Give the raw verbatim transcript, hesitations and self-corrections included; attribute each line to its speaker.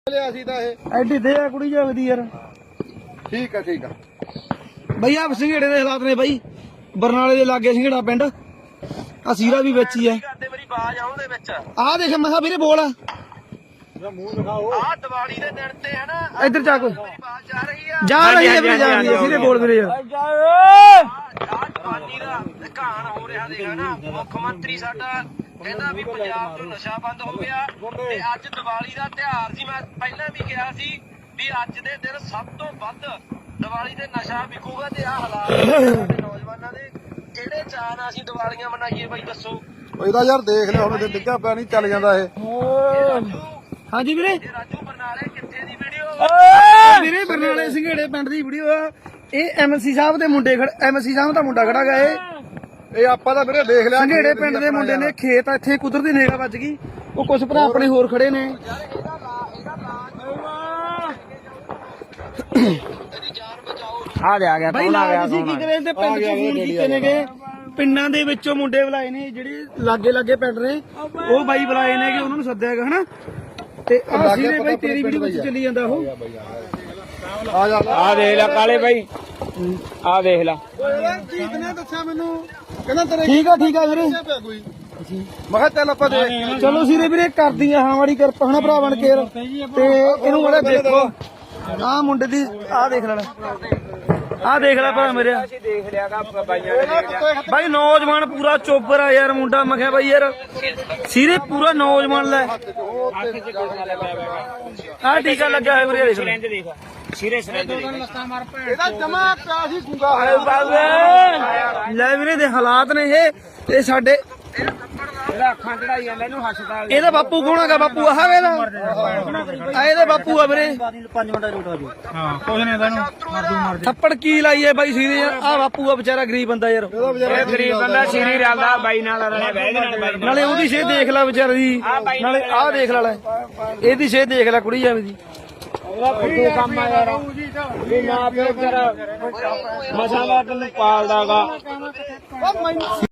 Speaker 1: ਲਿਆ ਸੀ ਤਾਂ ਇਹ
Speaker 2: ਐਡੀ ਦੇ ਆ ਕੁੜੀ ਜਾਵੇ ਦੀ ਯਾਰ।
Speaker 1: ਠੀਕ ਆ ਠੀਕ ਆ
Speaker 2: ਬਈ ਆ ਸਿੰਘੇੜੇ ਦੇ ਹਾਲਾਤ ਨੇ ਬਈ। ਬਰਨਾਲੇ ਦੇ ਲਾਗੇ ਸਿੰਘੇੜਾ ਪਿੰਡ। ਆ ਸੀਰਾ ਵੀ ਵਿੱਚ ਹੀ ਐ। ਆਹ ਦੇਖ ਮੈਂ ਕਿਹਾ ਵੀਰੇ ਬੋਲ ਆ
Speaker 1: ਮੂੰਹ ਦਿਖਾਓ।
Speaker 3: ਆ ਦੀਵਾਲੀ ਦੇ ਦਿਨ ਤੇ ਹੈ ਨਾ
Speaker 2: ਇੱਧਰ ਜਾ ਕੋਈ
Speaker 3: ਆਵਾਜ਼ ਜਾ ਰਹੀ ਆ।
Speaker 2: ਜਾ ਰਹੀ ਹੈ ਵੀਰੇ, ਜਾ ਰਹੀ ਹੈ ਸੀਰੇ ਬੋਲ ਵੀਰੇ ਯਾਰ।
Speaker 3: ਆ ਜਵਾਨੀ ਦਾ ਘਾਣ ਹੋ ਰਿਹਾ ਦੇਖ ਨਾ। ਮੁੱਖ ਮੰਤਰੀ ਸਾਡਾ ਕਹਿੰਦਾ ਵੀ ਪੰਜਾਬ ਤੋਂ ਨਸ਼ਾ ਬੰਦ ਹੋ ਗਿਆ ਤੇ ਅੱਜ ਦੀਵਾਲੀ ਦਾ ਤਿਉਹਾਰ ਸੀ। ਮੈਂ ਪਹਿਲਾਂ ਵੀ ਕਿਹਾ ਸੀ ਵੀ ਅੱਜ ਦੇ ਦਿਨ ਸਭ ਤੋਂ ਵੱਧ ਦੀਵਾਲੀ ਤੇ ਨਸ਼ਾ ਵਿਕੂਗਾ ਤੇ ਆ ਹਾਲਾਤ ਸਾਡੇ ਨੌਜਵਾਨਾਂ ਦੇ ਕਿਹੜੇ ਚਾਅ ਨਾਲ ਅਸੀਂ ਦੀਵਾਲੀਆਂ ਮਨਾਈਏ ਬਾਈ ਦੱਸੋ।
Speaker 1: ਇਹਦਾ ਯਾਰ ਦੇਖ ਲਿਆ ਹੁਣ ਜੇ ਡਿੱਗਾ ਪਿਆ ਨਹੀਂ ਚੱਲ ਜਾਂਦਾ ਇਹ।
Speaker 2: ਹਾਂਜੀ ਵੀਰੇ
Speaker 3: ਇਹ ਰਾਜੂ ਬਰਨਾਲੇ ਕਿੱਥੇ ਦੀ ਵੀਡੀਓ?
Speaker 2: ਵੀਰੇ ਬਰਨਾਲੇ ਸਿੰਘੇੜੇ ਪਿੰਡ ਦੀ ਵੀਡੀਓ ਆ ਇਹ। ਐਮਸੀ ਸਾਹਿਬ ਦੇ ਮੁੰਡੇ ਖੜ ਐਮਸੀ ਸਾਹਿਬ ਦਾ ਮੁੰਡਾ ਖੜਾ ਗਾ ਇਹ।
Speaker 1: ਇਹ ਆਪਾਂ ਤਾਂ ਵੀਰੇ ਦੇਖ ਲਿਆ।
Speaker 2: ਸਿੰਘੇੜੇ ਪਿੰਡ ਦੇ ਮੁੰਡੇ ਨੇ ਖੇਤ ਇੱਥੇ ਕੁਦਰਤੀ ਨੇੜਾ ਵੱਜ ਗਈ। ਉਹ ਕੁਝ ਭਰਾ ਆਪਣੇ ਹੋਰ ਖੜੇ ਨੇ।
Speaker 3: ਆ ਗਿਆ ਆ ਗਿਆ
Speaker 2: ਬਾਈ ਨਾਲ ਤੁਸੀਂ ਕੀ ਕਰੇ ਤੇ ਪਿੰਡ ਚ ਫੋਨ ਕੀਤੇ ਨੇਗੇ। ਪਿੰਡਾਂ ਦੇ ਵਿੱਚੋਂ ਮੁੰਡੇ ਬੁਲਾਏ ਨੇ ਜਿਹੜੇ ਲਾਗੇ ਲਾਗੇ ਪਿੰਡ ਨੇ। ਉਹ ਬਾਈ ਬੁਲਾਏ ਨੇ ਕਿ ਉਹਨਾਂ ਨੂੰ ਸੱਦਿਆ ਹੈਗਾ ਹਨਾ। ਤੇ ਅਸੀਂ ਨੇ ਬਾਈ ਤੇਰੀ ਵੀਡੀਓ ਵਿੱਚ ਚੱਲੀ ਜਾਂਦਾ ਉਹ।
Speaker 1: ਆ ਜਾ
Speaker 4: ਆ ਦੇਖ ਲੈ ਕਾਲੇ ਬਾਈ, ਆ ਦੇਖ ਲੈ।
Speaker 1: ਜੀਤ ਨੇ ਦੱਸਿਆ ਮੈਨੂੰ ਕਹਿੰਦਾ ਤੇਰੇ
Speaker 2: ਠੀਕ ਆ ਠੀਕ ਆ ਵੀਰੇ।
Speaker 1: ਪਿਆ ਕੋਈ। ਮੈਂ ਕਿਹਾ ਚੱਲ ਆਪਾਂ ਦੇਖ।
Speaker 2: ਚਲੋ ਸੀਰੇ ਵੀਰੇ ਕਰਦੀ ਆ ਹਾਂ ਵਾਲੀ ਕਿਰਪਾ ਹਨਾ ਭਰਾ ਬਣ ਕੇ। ਤੇ ਇਹਨੂੰ ਬੜਾ ਦੇਖੋ ਆਹ ਮੁੰਡੇ ਦੀ ਆਹ ਦੇਖ ਲੈਣਾ। ਆਹ ਦੇਖ ਲੈ ਭਰਾ ਮੇਰੇ।
Speaker 4: ਅਸੀਂ ਦੇਖ ਲਿਆਗਾ ਬਾਈਆਂ ਨੇ ਦੇਖ ਲਿਆ।
Speaker 2: ਬਾਈ ਨੌਜਵਾਨ ਪੂਰਾ ਚੋਬਰ ਆ ਯਾਰ ਮੁੰਡਾ। ਮੈਂ ਕਿਹਾ ਬਾਈ ਯਾਰ ਸੀਰੇ ਪੂਰਾ ਨੌਜਵਾਨ ਲੈ। ਆਹ ਟੀਕਾ ਲੱਗਿਆ ਹੋਇਆ ਵੀਰੇ ਦੇਖ ਲੈ।
Speaker 4: ਦੇਖ ਸਿਰੇ ਸਿਰੇ
Speaker 1: ਇਹਦਾ ਜਮਾ ਪਿਆ ਸੀ ਗੁੰਗਾ
Speaker 2: ਲੈ ਵੀਰੇ ਦੇ ਹਾਲਾਤ ਨੇ ਇਹ। ਇਹ ਸਾਡੇ
Speaker 4: ਇਹਦਾ ਅੱਖਾਂ ਚੜਾਈ ਜਾਂਦਾ ਇਹਨੂੰ ਹਸਪਤਾਲ।
Speaker 2: ਇਹਦਾ ਬਾਪੂ ਕੌਣ ਹੈਗਾ? ਬਾਪੂ ਆਹ ਵੇਲਾ ਆ ਇਹਦੇ ਬਾਪੂ ਆ ਵੀਰੇ।
Speaker 4: ਹਾਂ ਕੁਝ ਨਹੀਂ ਇਹਨੂੰ
Speaker 2: ਥੱਪੜ ਕੀ ਲਾਈਏ ਬਾਈ ਸੀਰੇ ਯਾਰ। ਆਹ ਬਾਪੂ ਆ ਵਿਚਾਰਾ ਗਰੀਬ ਬੰਦਾ ਯਾਰ।
Speaker 4: ਇਹ ਗਰੀਬ ਬੰਦਾ ਸਿਰੀ ਰਲਦਾ ਬਾਈ ਨਾਲ ਰਲਿਆ ਬਹਿ ਦੇ ਨਾਲ ਬਾਈ ਨਾਲ।
Speaker 2: ਨਾਲੇ ਉਹਦੀ ਸ਼ੇ ਦੇਖ ਲੈ ਵਿਚਾਰੇ ਦੀ। ਨਾਲੇ ਆਹ ਦੇਖ ਲੈ ਲੈ ਇਹਦੀ ਸ਼ੇ ਦੇਖ ਲੈ ਕੁੜੀ ਜਾਵੇ ਦੀ।
Speaker 4: ਉਹਦਾ ਫੁੱਟੂ ਕੰਮ ਆ ਯਾਰ ਵੀ ਨਾ ਪਿਓ ਤੇਰਾ ਮਸਾਲਾ ਤੈਨੂੰ ਪਾਲਦਾਗਾ।